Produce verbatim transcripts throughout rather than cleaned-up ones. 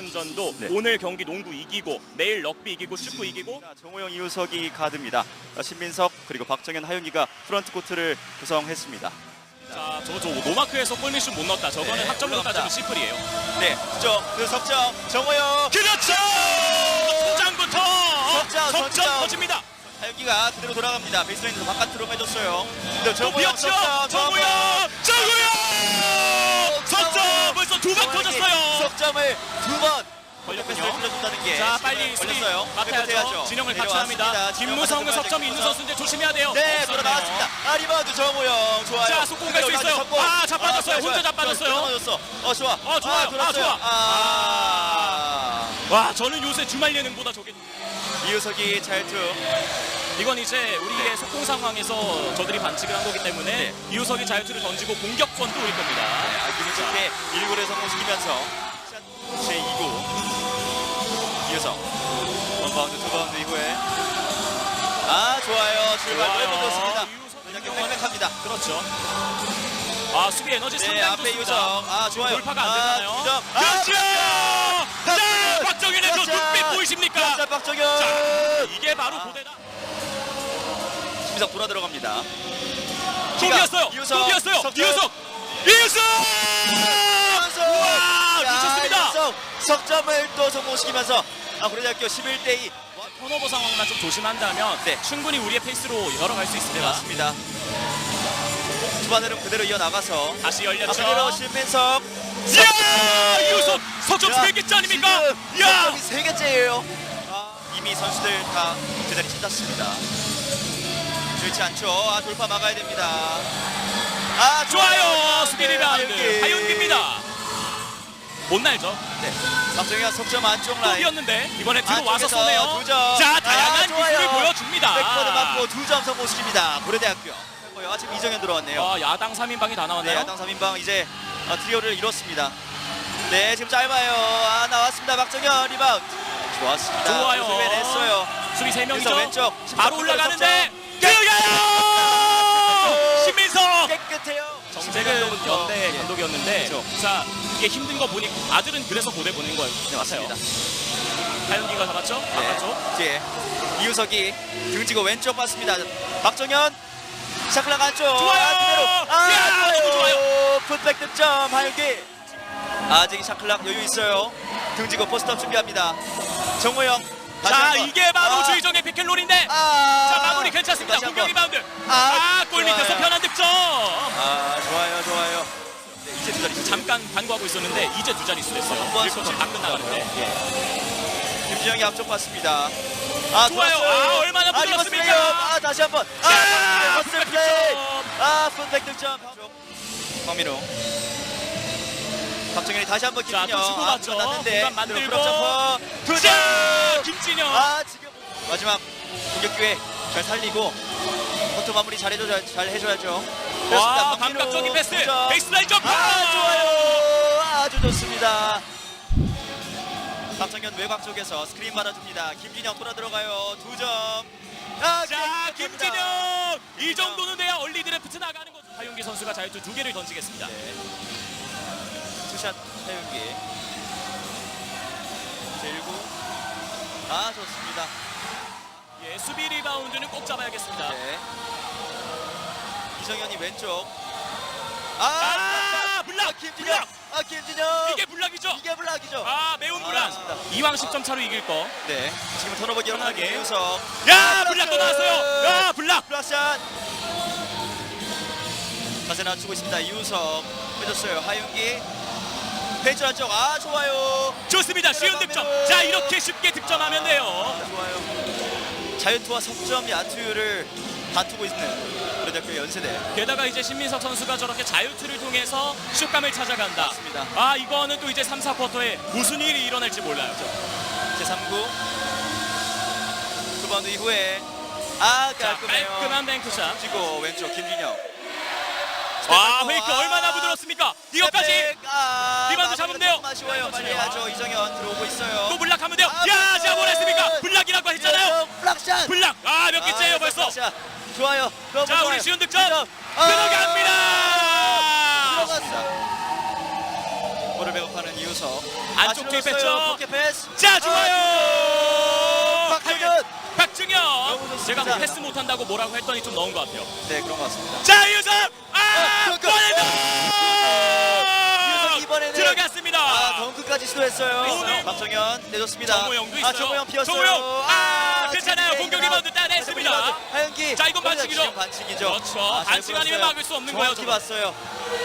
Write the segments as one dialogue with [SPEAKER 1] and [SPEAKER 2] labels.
[SPEAKER 1] 아시안전도
[SPEAKER 2] 네.
[SPEAKER 1] 오늘 경기 농구 이기고 내일 럭비 이기고 축구 이기고
[SPEAKER 2] 정호영, 이우석이 가드입니다. 신민석 그리고 박정현, 하윤기가 프런트 코트를 구성했습니다.
[SPEAKER 1] 자, 저, 저 노마크에서 골밑슛 못 넣었다. 저거는
[SPEAKER 2] 네,
[SPEAKER 1] 학점으로
[SPEAKER 2] 올라갑니다.
[SPEAKER 1] 따지면 시플이에요.
[SPEAKER 2] 네, 석점, 그 석점, 정호영.
[SPEAKER 1] 그렇죠! 초장부터
[SPEAKER 2] 석점,
[SPEAKER 1] 석점
[SPEAKER 2] 석점.
[SPEAKER 1] 터집니다.
[SPEAKER 2] 하윤기가 그대로 돌아갑니다. 베이스라인에서 바깥으로 빼줬어요. 근데
[SPEAKER 1] 또
[SPEAKER 2] 정호영
[SPEAKER 1] 비었죠?
[SPEAKER 2] 석점,
[SPEAKER 1] 정우영! 정우영! 석점 벌써 두 번 터졌어요.
[SPEAKER 2] 석점을 두 번.
[SPEAKER 1] 걸렸군요.
[SPEAKER 2] 패스를 풀어준다는 게
[SPEAKER 1] 자, 빨리 수비
[SPEAKER 2] 걸렸어요.
[SPEAKER 1] 맡아야죠. 진영을 같이 합니다. 김무성은 석점이 있는 선수인데 조심해야 돼요.
[SPEAKER 2] 네,
[SPEAKER 1] 없었네요.
[SPEAKER 2] 돌아 나왔습니다. 아, 리바운드 정우영 좋아요.
[SPEAKER 1] 자, 속공 갈수
[SPEAKER 2] 그대로
[SPEAKER 1] 있어요.
[SPEAKER 2] 성공.
[SPEAKER 1] 아, 자빠졌어요. 혼자
[SPEAKER 2] 좋아요.
[SPEAKER 1] 자빠졌어요.
[SPEAKER 2] 맞았어. 어, 좋아.
[SPEAKER 1] 어, 좋아요.
[SPEAKER 2] 아, 돌았어요.
[SPEAKER 1] 아, 좋아.
[SPEAKER 2] 아,
[SPEAKER 1] 와, 저는 요새 주말 예능보다 저게
[SPEAKER 2] 이우석이 잘투.
[SPEAKER 1] 이건 이제 우리의
[SPEAKER 2] 네.
[SPEAKER 1] 속공 상황에서 저들이 반칙을 한 거기 때문에
[SPEAKER 2] 네.
[SPEAKER 1] 이우석이 자유투를 던지고 공격권도 우리 겁니다.
[SPEAKER 2] 아, 기분 좋게 일 구를 성공시키면서 제이 구 이우석 원바운드 투바운드 이후에 아 좋아요. 출발
[SPEAKER 1] 좋아요.
[SPEAKER 2] 해보겠습니다.
[SPEAKER 1] 이우석
[SPEAKER 2] 맹맹합니다.
[SPEAKER 1] 그렇죠. 아, 수비 에너지
[SPEAKER 2] 네,
[SPEAKER 1] 상당히
[SPEAKER 2] 앞에
[SPEAKER 1] 좋습니다.
[SPEAKER 2] 이우석. 아 좋아요.
[SPEAKER 1] 돌파가 안
[SPEAKER 2] 아,
[SPEAKER 1] 되나요?
[SPEAKER 2] 두 점. 아,
[SPEAKER 1] 그렇죠! 자,
[SPEAKER 2] 박정현!
[SPEAKER 1] 박정현의 저
[SPEAKER 2] 그렇죠!
[SPEAKER 1] 눈빛 보이십니까?
[SPEAKER 2] 자, 박정현.
[SPEAKER 1] 자, 이게 바로
[SPEAKER 2] 아.
[SPEAKER 1] 고대다.
[SPEAKER 2] 심석 돌아 들어갑니다.
[SPEAKER 1] 또 비었어요.
[SPEAKER 2] 이우석.
[SPEAKER 1] 또 비었어요.
[SPEAKER 2] 석점.
[SPEAKER 1] 이우석. 이우석!
[SPEAKER 2] 이우석!
[SPEAKER 1] 와,
[SPEAKER 2] 야,
[SPEAKER 1] 미쳤습니다.
[SPEAKER 2] 이우석 석점을 또 성공시키면서 아, 고려대학교 십일 대 이.
[SPEAKER 1] 턴오버 상황만 좀 조심한다면
[SPEAKER 2] 네.
[SPEAKER 1] 충분히 우리의 페이스로 열어갈 수
[SPEAKER 2] 네,
[SPEAKER 1] 있습니다.
[SPEAKER 2] 맞습니다. 초반으로 그대로 이어나가서
[SPEAKER 1] 다시 열렸죠.
[SPEAKER 2] 앞으로 신민석.
[SPEAKER 1] 이야! 이우석 석점
[SPEAKER 2] 야,
[SPEAKER 1] 세 개째 아닙니까?
[SPEAKER 2] 지금
[SPEAKER 1] 야!
[SPEAKER 2] 석점이 세 개째예요. 아, 이미 선수들 다 제자리 찾았습니다. 좋지 않죠. 아, 돌파 막아야 됩니다. 아,
[SPEAKER 1] 좋아요. 수비
[SPEAKER 2] 네,
[SPEAKER 1] 리바운드
[SPEAKER 2] 하윤기.
[SPEAKER 1] 하윤기입니다. 못 날죠.
[SPEAKER 2] 네. 박정현 석점 안쪽
[SPEAKER 1] 또
[SPEAKER 2] 라인.
[SPEAKER 1] 비었는데 이번에 뒤로 와서
[SPEAKER 2] 안쪽에서
[SPEAKER 1] 쏘네요.
[SPEAKER 2] 두 점.
[SPEAKER 1] 자, 다양한
[SPEAKER 2] 아, 좋아요.
[SPEAKER 1] 기술을 보여줍니다.
[SPEAKER 2] 백퍼드 맞고 두 점 성공시킵니다. 고려대학교. 아, 지금 이정현 들어왔네요.
[SPEAKER 1] 아, 야당 삼 인방이 다
[SPEAKER 2] 네,
[SPEAKER 1] 나왔나요?
[SPEAKER 2] 야당 삼 인방 이제 어, 트리오를 이뤘습니다. 네, 지금 짧아요. 아, 나왔습니다. 박정현 리바운드. 좋았습니다.
[SPEAKER 1] 좋아요.
[SPEAKER 2] 냈어요.
[SPEAKER 1] 수비 세 명이죠.
[SPEAKER 2] 왼쪽
[SPEAKER 1] 바로 올라가는데
[SPEAKER 2] 석점.
[SPEAKER 1] 들어가요! 신민석!
[SPEAKER 2] 깨끗해요.
[SPEAKER 1] 정재근 연대
[SPEAKER 2] 예.
[SPEAKER 1] 감독이었는데
[SPEAKER 2] 그렇죠.
[SPEAKER 1] 자, 이게 힘든 거 보니 아들은 그래서 고대 보낸 거예요.
[SPEAKER 2] 네, 맞습니다.
[SPEAKER 1] 하윤기가 잡았죠? 바꿨죠?
[SPEAKER 2] 네. 이제 이우석이 등지고 왼쪽 봤습니다. 박정현 샤클락 안쪽.
[SPEAKER 1] 좋아요.
[SPEAKER 2] 아, 그대로. 아,
[SPEAKER 1] 야, 너무 좋아요.
[SPEAKER 2] 풋백 득점 하윤기. 아직 샤클락 여유 있어요. 등지고 포스트업 준비합니다. 정호영. 다시
[SPEAKER 1] 자,
[SPEAKER 2] 한번.
[SPEAKER 1] 이게 바로
[SPEAKER 2] 아,
[SPEAKER 1] 주의정의 피켓롤인데
[SPEAKER 2] 아,
[SPEAKER 1] 자, 마무리 괜찮습니다.
[SPEAKER 2] 다시
[SPEAKER 1] 공격
[SPEAKER 2] 한번.
[SPEAKER 1] 리바운드.
[SPEAKER 2] 아,
[SPEAKER 1] 아, 골 밑에서
[SPEAKER 2] 좋아요.
[SPEAKER 1] 편한 득점.
[SPEAKER 2] 아, 좋아요, 좋아요. 네, 이제 두 자리
[SPEAKER 1] 잠깐 반구하고 있었는데 이제 두 자릿수 됐어요.
[SPEAKER 2] 한번
[SPEAKER 1] 일 쿼터 다 끝나가는데.
[SPEAKER 2] 예. 김진영이 앞쪽 봤습니다. 아,
[SPEAKER 1] 좋아요.
[SPEAKER 2] 좋았어요.
[SPEAKER 1] 아, 얼마나
[SPEAKER 2] 아,
[SPEAKER 1] 부드럽습니까?
[SPEAKER 2] 리버스 플레이. 아, 다시 한번.
[SPEAKER 1] 자,
[SPEAKER 2] 아,
[SPEAKER 1] 풋백
[SPEAKER 2] 퍼스트 플레이.
[SPEAKER 1] 득점.
[SPEAKER 2] 아, 풋백 득점. 황민우. 박정현이 다시 한번
[SPEAKER 1] 자,
[SPEAKER 2] 김진영.
[SPEAKER 1] 또 주고받죠.
[SPEAKER 2] 아, 났는데.
[SPEAKER 1] 공간 만들고.
[SPEAKER 2] 그리고 점퍼. 두
[SPEAKER 1] 자,
[SPEAKER 2] 점.
[SPEAKER 1] 김진영.
[SPEAKER 2] 아, 지금 마지막 공격 기회 잘 살리고 포트 마무리 잘 해줘 잘 해줘야죠.
[SPEAKER 1] 와,
[SPEAKER 2] 그렇습니다.
[SPEAKER 1] 감각적인
[SPEAKER 2] 박민우
[SPEAKER 1] 패스.
[SPEAKER 2] 두 점.
[SPEAKER 1] 베이스라인 점프.
[SPEAKER 2] 아, 좋아요. 아주 좋습니다. 박정현 외곽 쪽에서 스크린 받아줍니다. 김진영 돌아 들어가요. 두 점. 아,
[SPEAKER 1] 자,
[SPEAKER 2] 깨끗합니다.
[SPEAKER 1] 김진영. 이 정도는 돼야 얼리 드래프트 나가는 거죠. 하윤기 선수가 자유투 두 개를 던지겠습니다.
[SPEAKER 2] 네. 투샷 태윤기. 제일구. 아, 좋습니다.
[SPEAKER 1] 예, 수비 리바운드는 꼭 잡아야겠습니다.
[SPEAKER 2] 네. 이정현이 왼쪽.
[SPEAKER 1] 아,
[SPEAKER 2] 아,
[SPEAKER 1] 블락!
[SPEAKER 2] 아, 김진영.
[SPEAKER 1] 블락!
[SPEAKER 2] 아, 김진영.
[SPEAKER 1] 이게 블락이죠?
[SPEAKER 2] 이게 블락이죠.
[SPEAKER 1] 아, 매운
[SPEAKER 2] 아,
[SPEAKER 1] 블락.
[SPEAKER 2] 맞습니다.
[SPEAKER 1] 이왕 십 점 차로 이길 거.
[SPEAKER 2] 네. 지금 턴오버 기록하는
[SPEAKER 1] 편하게.
[SPEAKER 2] 이우석.
[SPEAKER 1] 야, 블락 또 나왔어요. 야, 블락.
[SPEAKER 2] 블락샷. 자세 낮추고 있습니다. 이우석 빼줬어요. 하윤기. 페이지 안쪽. 아, 좋아요.
[SPEAKER 1] 좋습니다. 쉬운 득점. 자, 이렇게 쉽게 득점하면 돼요.
[SPEAKER 2] 아, 좋아요. 자유투와 석점 야투율을 다투고 있는 고려대학교 연세대.
[SPEAKER 1] 게다가 이제 신민석 선수가 저렇게 자유투를 통해서 슛감을 찾아간다.
[SPEAKER 2] 맞습니다.
[SPEAKER 1] 아, 이거는 또 이제 삼, 사 쿼터에 무슨 일이 일어날지 몰라요.
[SPEAKER 2] 제삼 구. 투바운드 이후에 아,
[SPEAKER 1] 자,
[SPEAKER 2] 깔끔해요.
[SPEAKER 1] 깔끔한 뱅크샷.
[SPEAKER 2] 지고 왼쪽 김진영.
[SPEAKER 1] 와,
[SPEAKER 2] 스텝
[SPEAKER 1] 페이크
[SPEAKER 2] 아,
[SPEAKER 1] 얼마나 부드럽습니까? 이것까지
[SPEAKER 2] 스텝백. 아,
[SPEAKER 1] 리바운드 잡으면 돼요.
[SPEAKER 2] 마시고요. 빨리 해야죠. 이정현 들어오고 있어요.
[SPEAKER 1] 또 블락하면 돼요.
[SPEAKER 2] 아,
[SPEAKER 1] 야,
[SPEAKER 2] 블락.
[SPEAKER 1] 제가 보냈습니까? 블락이라고 했잖아요.
[SPEAKER 2] 블락샷.
[SPEAKER 1] 블락. 아, 몇 개째예요
[SPEAKER 2] 아,
[SPEAKER 1] 벌써.
[SPEAKER 2] 블락샷. 좋아요. 너무
[SPEAKER 1] 자,
[SPEAKER 2] 좋아요.
[SPEAKER 1] 우리 쉬운 득점
[SPEAKER 2] 득점. 아,
[SPEAKER 1] 들어갑니다.
[SPEAKER 2] 들어갔어. 템포를 배고파는 이우석.
[SPEAKER 1] 안쪽 투입했죠.
[SPEAKER 2] 포켓 패스.
[SPEAKER 1] 자, 좋아요.
[SPEAKER 2] 박정현.
[SPEAKER 1] 박정현.
[SPEAKER 2] 너무 좋습니다.
[SPEAKER 1] 제가 뭐 패스 못한다고 뭐라고 했더니 좀 넣은 것 같아요.
[SPEAKER 2] 네, 그런 것 같습니다.
[SPEAKER 1] 자, 이우석. 아,
[SPEAKER 2] 어, 그,
[SPEAKER 1] 골!
[SPEAKER 2] 이우석 이번에는
[SPEAKER 1] 들어갔습니다.
[SPEAKER 2] 아, 덩크까지 시도했어요.
[SPEAKER 1] 오늘
[SPEAKER 2] 박정현 내줬습니다.
[SPEAKER 1] 정우영도 있어요.
[SPEAKER 2] 아, 정우영 피었어요.
[SPEAKER 1] 정우영. 아, 괜찮아요.
[SPEAKER 2] 지금
[SPEAKER 1] 공격
[SPEAKER 2] 리바운드.
[SPEAKER 1] 리바운드 따냈습니다.
[SPEAKER 2] 리바운드. 하윤기.
[SPEAKER 1] 자, 이건
[SPEAKER 2] 거기다
[SPEAKER 1] 반칙이죠.
[SPEAKER 2] 지금 반칙이죠.
[SPEAKER 1] 그렇죠.
[SPEAKER 2] 아, 잘
[SPEAKER 1] 반칙 아니면
[SPEAKER 2] 보였어요.
[SPEAKER 1] 막을 수 없는 거예요,
[SPEAKER 2] 정확히
[SPEAKER 1] 저건.
[SPEAKER 2] 봤어요.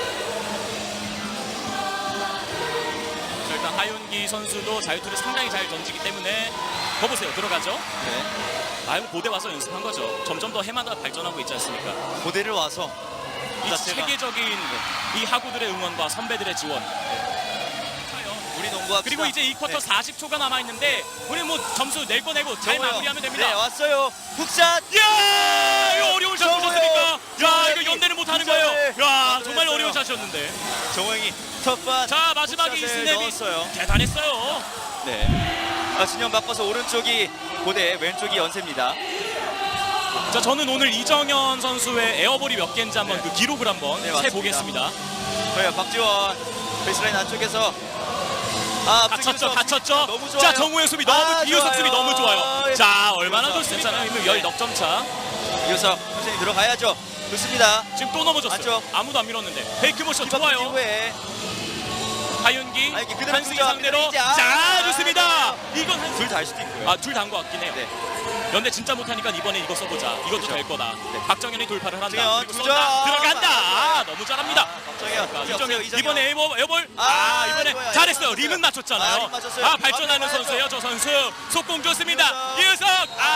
[SPEAKER 1] 자, 일단 하윤기 선수도 자유투를 상당히 잘 던지기 때문에 거 보세요. 들어가죠.
[SPEAKER 2] 네.
[SPEAKER 1] 아유, 고대 와서 연습한 거죠. 점점 더 해마다 발전하고 있지 않습니까?
[SPEAKER 2] 고대를 와서
[SPEAKER 1] 이
[SPEAKER 2] 자체가
[SPEAKER 1] 체계적인 이 하구들의 응원과 선배들의 지원.
[SPEAKER 2] 우리 농구합시다.
[SPEAKER 1] 그리고 이제 이 쿼터
[SPEAKER 2] 네.
[SPEAKER 1] 사십 초가 남아 있는데 우리 뭐 점수 낼 거 내고 잘
[SPEAKER 2] 정우영.
[SPEAKER 1] 마무리하면 됩니다.
[SPEAKER 2] 네, 왔어요. 훅샷.
[SPEAKER 1] 야, 이거 어려운 샷
[SPEAKER 2] 정우영.
[SPEAKER 1] 보셨습니까? 야,
[SPEAKER 2] 정우영이
[SPEAKER 1] 이거 연대는 못 하는
[SPEAKER 2] 굿샷을
[SPEAKER 1] 거예요. 야, 정말
[SPEAKER 2] 만들어냈어요.
[SPEAKER 1] 어려운 샷이었는데.
[SPEAKER 2] 정우영이 터프한
[SPEAKER 1] 자, 마지막에 이
[SPEAKER 2] 훅샷을
[SPEAKER 1] 스냅이
[SPEAKER 2] 넣었어요.
[SPEAKER 1] 대단했어요.
[SPEAKER 2] 네. 아, 진영 바꿔서 오른쪽이 고대, 왼쪽이 연세입니다.
[SPEAKER 1] 자, 저는 오늘 이정현 선수의 에어볼이 몇 개인지 한번
[SPEAKER 2] 네.
[SPEAKER 1] 그 기록을 한번
[SPEAKER 2] 네,
[SPEAKER 1] 세
[SPEAKER 2] 맞습니다.
[SPEAKER 1] 보겠습니다.
[SPEAKER 2] 저희가 박지원 베이스라인 안쪽에서 아,
[SPEAKER 1] 갇혔죠, 갇혔죠.
[SPEAKER 2] 너무 좋아요.
[SPEAKER 1] 자, 정우영 수비 너무,
[SPEAKER 2] 아,
[SPEAKER 1] 이우석
[SPEAKER 2] 좋아요.
[SPEAKER 1] 수비 너무 좋아요. 자, 얼마나
[SPEAKER 2] 이우석.
[SPEAKER 1] 좋습니까? 이미 열넉 점 차.
[SPEAKER 2] 이우석 선생님 들어가야죠. 좋습니다.
[SPEAKER 1] 지금 또 넘어졌어요.
[SPEAKER 2] 안쪽.
[SPEAKER 1] 아무도 안 밀었는데. 페이크 모션
[SPEAKER 2] 기박
[SPEAKER 1] 좋아요.
[SPEAKER 2] 이후에
[SPEAKER 1] 하윤기,
[SPEAKER 2] 아, 이게 그대로
[SPEAKER 1] 한승희
[SPEAKER 2] 두죠.
[SPEAKER 1] 상대로.
[SPEAKER 2] 이제 아,
[SPEAKER 1] 자,
[SPEAKER 2] 아,
[SPEAKER 1] 좋습니다. 이건 한
[SPEAKER 2] 둘 다 할 수도 있고요.
[SPEAKER 1] 아, 둘 다 한 것 같긴 해요.
[SPEAKER 2] 네.
[SPEAKER 1] 연대 진짜 못하니까 이번에 이거 써보자. 이것도
[SPEAKER 2] 그렇죠.
[SPEAKER 1] 될 거다.
[SPEAKER 2] 네.
[SPEAKER 1] 박정현이 돌파를 한다.
[SPEAKER 2] 박정현,
[SPEAKER 1] 그리고
[SPEAKER 2] 두
[SPEAKER 1] 쏜다.
[SPEAKER 2] 점.
[SPEAKER 1] 들어간다. 아,
[SPEAKER 2] 아,
[SPEAKER 1] 너무 잘합니다.
[SPEAKER 2] 아, 박정현.
[SPEAKER 1] 자,
[SPEAKER 2] 이제
[SPEAKER 1] 이정현
[SPEAKER 2] 없어요,
[SPEAKER 1] 이번에 에어볼, 에어볼. 아,
[SPEAKER 2] 아,
[SPEAKER 1] 이번에
[SPEAKER 2] 이거야.
[SPEAKER 1] 잘했어요.
[SPEAKER 2] 이거
[SPEAKER 1] 림은
[SPEAKER 2] 맞췄어요.
[SPEAKER 1] 맞췄잖아요.
[SPEAKER 2] 아, 림 맞췄어요.
[SPEAKER 1] 아, 발전하는
[SPEAKER 2] 아,
[SPEAKER 1] 선수예요, 저 선수. 속공 좋습니다.
[SPEAKER 2] 이우석.
[SPEAKER 1] 이우석.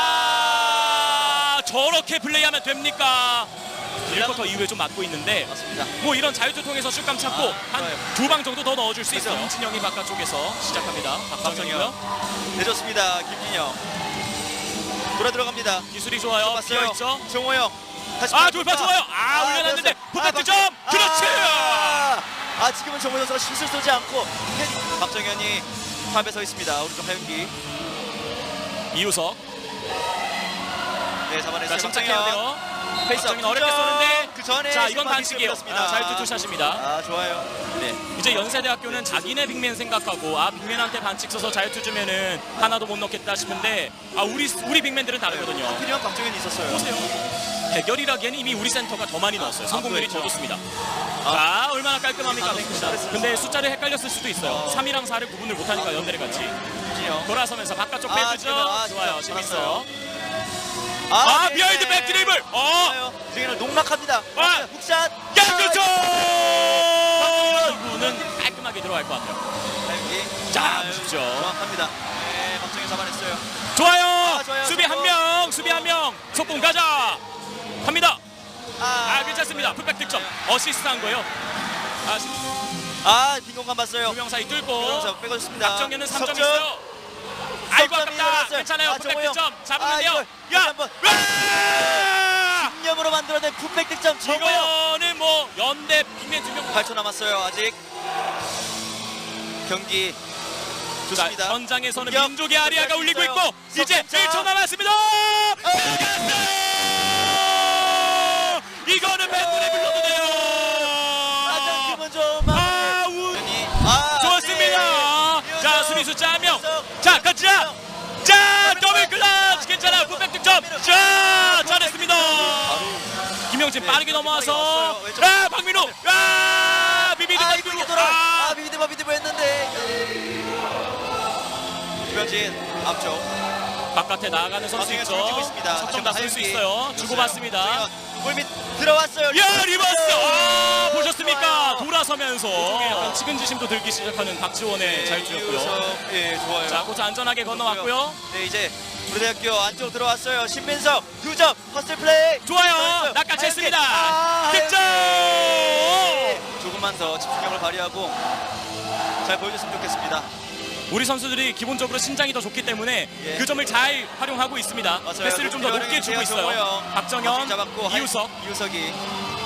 [SPEAKER 1] 아, 저렇게 플레이하면 됩니까? 일 쿼터 이후에 좀 맞고 있는데
[SPEAKER 2] 맞습니다.
[SPEAKER 1] 뭐 이런 자유투 통해서 슛감 찾고
[SPEAKER 2] 아,
[SPEAKER 1] 한
[SPEAKER 2] 좋아요.
[SPEAKER 1] 두 방 정도 더 넣어줄 수
[SPEAKER 2] 그죠.
[SPEAKER 1] 있어요. 김진영이 바깥쪽에서 시작합니다. 박정현이고요.
[SPEAKER 2] 내줬습니다. 김진영. 돌아 들어갑니다.
[SPEAKER 1] 기술이 좋아요.
[SPEAKER 2] 봤어요.
[SPEAKER 1] 비어있죠.
[SPEAKER 2] 정호영. 다시
[SPEAKER 1] 아, 돌파 좋아요. 아,
[SPEAKER 2] 아,
[SPEAKER 1] 올려놨는데
[SPEAKER 2] 되었어요.
[SPEAKER 1] 부탁
[SPEAKER 2] 아,
[SPEAKER 1] 득점.
[SPEAKER 2] 박-
[SPEAKER 1] 그렇지.
[SPEAKER 2] 아, 아, 지금은 정호 선수가 슛을 쏘지 않고 박정현이 탑에 서 있습니다. 오른쪽 하윤기.
[SPEAKER 1] 이우석.
[SPEAKER 2] 네,
[SPEAKER 1] 자,
[SPEAKER 2] 잡아냈어요.
[SPEAKER 1] 침착해야
[SPEAKER 2] 박정현.
[SPEAKER 1] 돼요.
[SPEAKER 2] 페이스
[SPEAKER 1] 박정현 어렵게 쏘는데
[SPEAKER 2] 그 전에
[SPEAKER 1] 자, 이건
[SPEAKER 2] 심판이
[SPEAKER 1] 반칙이에요.
[SPEAKER 2] 끊겼습니다.
[SPEAKER 1] 아, 자유투 투샷입니다.
[SPEAKER 2] 아, 좋아요. 네.
[SPEAKER 1] 이제 연세대학교는 자기네 빅맨 생각하고 아, 빅맨한테 반칙 써서 자유투 주면은 하나도 못 넣겠다 싶은데 아, 우리 우리 빅맨들은 다르거든요.
[SPEAKER 2] 하필이면 박정현이 있었어요.
[SPEAKER 1] 보세요. 대결이라기에는 이미 우리 센터가 더 많이 넣었어요. 성공률이 더
[SPEAKER 2] 그렇죠.
[SPEAKER 1] 좋습니다. 자, 얼마나 깔끔합니까,
[SPEAKER 2] 아,
[SPEAKER 1] 뱅크샷.
[SPEAKER 2] 잘했어요.
[SPEAKER 1] 근데 숫자를 헷갈렸을 수도 있어요.
[SPEAKER 2] 어.
[SPEAKER 1] 삼이랑 사를 구분을 못하니까 연대를 같이.
[SPEAKER 2] 김진영.
[SPEAKER 1] 돌아서면서 바깥쪽
[SPEAKER 2] 아,
[SPEAKER 1] 빼주죠.
[SPEAKER 2] 지금, 아,
[SPEAKER 1] 좋아요,
[SPEAKER 2] 진짜
[SPEAKER 1] 재밌어요.
[SPEAKER 2] 아,
[SPEAKER 1] 아, 비하인드 백 드리블. 어,
[SPEAKER 2] 좋아요. 지금은 농락합니다.
[SPEAKER 1] 아.
[SPEAKER 2] 훅샷.
[SPEAKER 1] 야, 그렇죠. 이분은 깔끔하게 들어갈 것 같아요.
[SPEAKER 2] 하윤기.
[SPEAKER 1] 자,
[SPEAKER 2] 아유,
[SPEAKER 1] 보십시오.
[SPEAKER 2] 정확합니다. 네, 박정현 잡아냈어요.
[SPEAKER 1] 좋아요.
[SPEAKER 2] 아, 좋아요.
[SPEAKER 1] 수비 한
[SPEAKER 2] 성공.
[SPEAKER 1] 명, 수비 한 명. 속공 가자. 갑니다.
[SPEAKER 2] 아,
[SPEAKER 1] 아, 괜찮습니다. 풀백 득점. 어시스트 한 거예요. 아,
[SPEAKER 2] 아, 빈 공간 봤어요.
[SPEAKER 1] 두 명 사이 뚫고.
[SPEAKER 2] 그러면서 빼줬습니다.
[SPEAKER 1] 박정현은 삼 점
[SPEAKER 2] 석점.
[SPEAKER 1] 있어요. 아이고,
[SPEAKER 2] 석점이
[SPEAKER 1] 아깝다.
[SPEAKER 2] 일어났어요.
[SPEAKER 1] 괜찮아요.
[SPEAKER 2] 아,
[SPEAKER 1] 풀백
[SPEAKER 2] 정우영.
[SPEAKER 1] 득점.
[SPEAKER 2] 아,
[SPEAKER 1] 잡으면돼요.
[SPEAKER 2] 이거
[SPEAKER 1] 야,
[SPEAKER 2] 다시 한번.
[SPEAKER 1] 와!
[SPEAKER 2] 신념으로 만들어낸 굿백 득점. 정우영.
[SPEAKER 1] 이거는 뭐 연대 빅맨 두 명.
[SPEAKER 2] 팔 초 남았어요. 아직 경기 좋습니다.
[SPEAKER 1] 현장에서는
[SPEAKER 2] 공격.
[SPEAKER 1] 민족의 아리아가 울리고 있고
[SPEAKER 2] 있어요.
[SPEAKER 1] 이제
[SPEAKER 2] 석점차.
[SPEAKER 1] 일 초 남았습니다. 이거는 팬분에 불러도 돼요.
[SPEAKER 2] 가장 기분 좋은 마무리.
[SPEAKER 1] 아, 우.
[SPEAKER 2] 아,
[SPEAKER 1] 좋습니다.
[SPEAKER 2] 네.
[SPEAKER 1] 자, 수비 숫자 한 명.
[SPEAKER 2] 이우석.
[SPEAKER 1] 자, 가자. 자, 더블 클러치 괜찮아. 굿백 득점. 자, 잘했습니다. 김영진
[SPEAKER 2] 네,
[SPEAKER 1] 빠르게 넘어와서
[SPEAKER 2] 왔어요. 왼쪽.
[SPEAKER 1] 아, 박민호. 아, 비비드
[SPEAKER 2] 아, 이거
[SPEAKER 1] 박민호.
[SPEAKER 2] 돌아.
[SPEAKER 1] 아,
[SPEAKER 2] 아, 비비드바 비비드바 했는데. 김현진 앞쪽.
[SPEAKER 1] 바깥에 나가는 선수
[SPEAKER 2] 박정현
[SPEAKER 1] 있죠.
[SPEAKER 2] 돌리고 있습니다.
[SPEAKER 1] 석점 다 쓸 수 있어요. 주고받습니다.
[SPEAKER 2] 골밑 들어왔어요.
[SPEAKER 1] 야, 리버스! 아, 보셨습니까?
[SPEAKER 2] 좋아요.
[SPEAKER 1] 돌아서면서 쪽에 약간 측은지심도 들기 시작하는 박지원의 자유투였고요.
[SPEAKER 2] 이우석. 예, 좋아요.
[SPEAKER 1] 자, 코트 안전하게 건너왔고요.
[SPEAKER 2] 네, 이제 우리대학교 안쪽 들어왔어요. 신민석 두 점 퍼스트 플레이.
[SPEAKER 1] 좋아요.
[SPEAKER 2] 들어왔어요.
[SPEAKER 1] 낚아챘습니다.
[SPEAKER 2] 아,
[SPEAKER 1] 득점!
[SPEAKER 2] 하윤기. 조금만 더 집중력을 발휘하고 잘 보여줬으면 좋겠습니다.
[SPEAKER 1] 우리 선수들이 기본적으로 신장이 더 좋기 때문에
[SPEAKER 2] 예.
[SPEAKER 1] 그 점을 잘 활용하고 있습니다.
[SPEAKER 2] 맞아요.
[SPEAKER 1] 패스를 좀 더 높게 주고 있어요. 박정현,
[SPEAKER 2] 잡았고
[SPEAKER 1] 이우석,
[SPEAKER 2] 하윤- 이우석이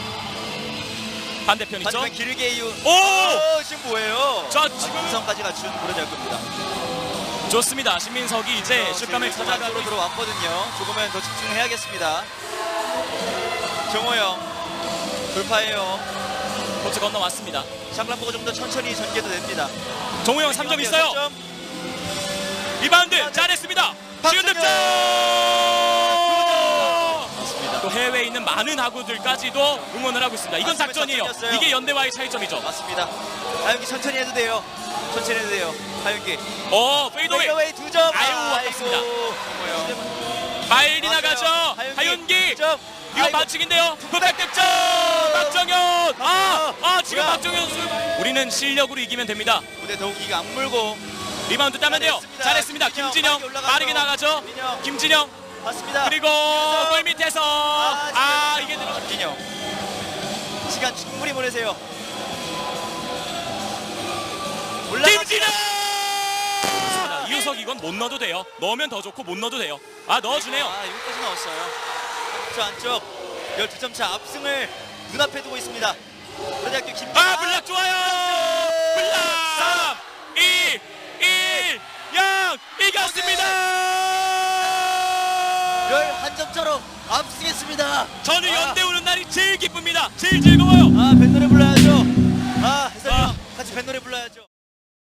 [SPEAKER 1] 반대편 있죠?
[SPEAKER 2] 반대편 길게 이우.
[SPEAKER 1] 오!
[SPEAKER 2] 오, 지금 뭐예요?
[SPEAKER 1] 자, 지금
[SPEAKER 2] 이성까지 갖춘 고려대학교입니다.
[SPEAKER 1] 좋습니다. 신민석이 이제 슛감을 찾아가고
[SPEAKER 2] 안으로 들어왔거든요. 조금은 더 집중해야겠습니다. 정호영 돌파해요.
[SPEAKER 1] 코트 건너왔습니다.
[SPEAKER 2] 샤클란 보고 좀 더 천천히 전개도 됩니다.
[SPEAKER 1] 정우영 삼 점 있어요.
[SPEAKER 2] 삼 점.
[SPEAKER 1] 리바운드 잘했습니다. 지금 득점.
[SPEAKER 2] 맞습니다.
[SPEAKER 1] 또 해외에 있는 많은 하구들까지도 응원을 하고 있습니다. 이건
[SPEAKER 2] 맞습니다.
[SPEAKER 1] 작전이에요.
[SPEAKER 2] 작전이었어요.
[SPEAKER 1] 이게 연대와의 차이점이죠.
[SPEAKER 2] 맞습니다. 하윤기 천천히 해도 돼요. 천천히 해도 돼요. 하윤기.
[SPEAKER 1] 어, 페이드웨이.
[SPEAKER 2] 페이드웨이 두 점.
[SPEAKER 1] 아유, 아깝습니다. 빨리 나가죠. 하윤기. 이거 반칙인데요. 풋백 득점. 박정현. 아, 아 지금
[SPEAKER 2] 뭐야?
[SPEAKER 1] 박정현 선수. 우리는 실력으로 이기면 됩니다.
[SPEAKER 2] 무대 더욱이가 안 물고
[SPEAKER 1] 리바운드 따면 돼요.
[SPEAKER 2] 잘했습니다.
[SPEAKER 1] 잘했습니다.
[SPEAKER 2] 김진영,
[SPEAKER 1] 김진영
[SPEAKER 2] 빠르게 올라가죠.
[SPEAKER 1] 빠르게 나가죠.
[SPEAKER 2] 김진영.
[SPEAKER 1] 김진영
[SPEAKER 2] 맞습니다.
[SPEAKER 1] 그리고
[SPEAKER 2] 김진영.
[SPEAKER 1] 골 밑에서
[SPEAKER 2] 아,
[SPEAKER 1] 아 이게 들어.
[SPEAKER 2] 김진영. 시간 충분히 보내세요. 올라갑니다.
[SPEAKER 1] 김진영. 이우석 이건 못 넣어도 돼요. 넣으면 더 좋고 못 넣어도 돼요. 아 넣어주네요.
[SPEAKER 2] 아, 여기까지 넣었어요. 저 안쪽 열두 점 차 압승을 눈앞에 두고 있습니다. 고려대학교 김진영.
[SPEAKER 1] 아 블락 좋아요. 블락 삼, 이, 일, 영 이겼습니다.
[SPEAKER 2] 열한 점 차로 압승했습니다.
[SPEAKER 1] 저는
[SPEAKER 2] 아.
[SPEAKER 1] 연대 오는 날이 제일 기쁩니다. 제일 즐거워요.
[SPEAKER 2] 아, 뱃노래 불러야죠. 아, 해설님
[SPEAKER 1] 아.
[SPEAKER 2] 같이 뱃노래 불러야죠.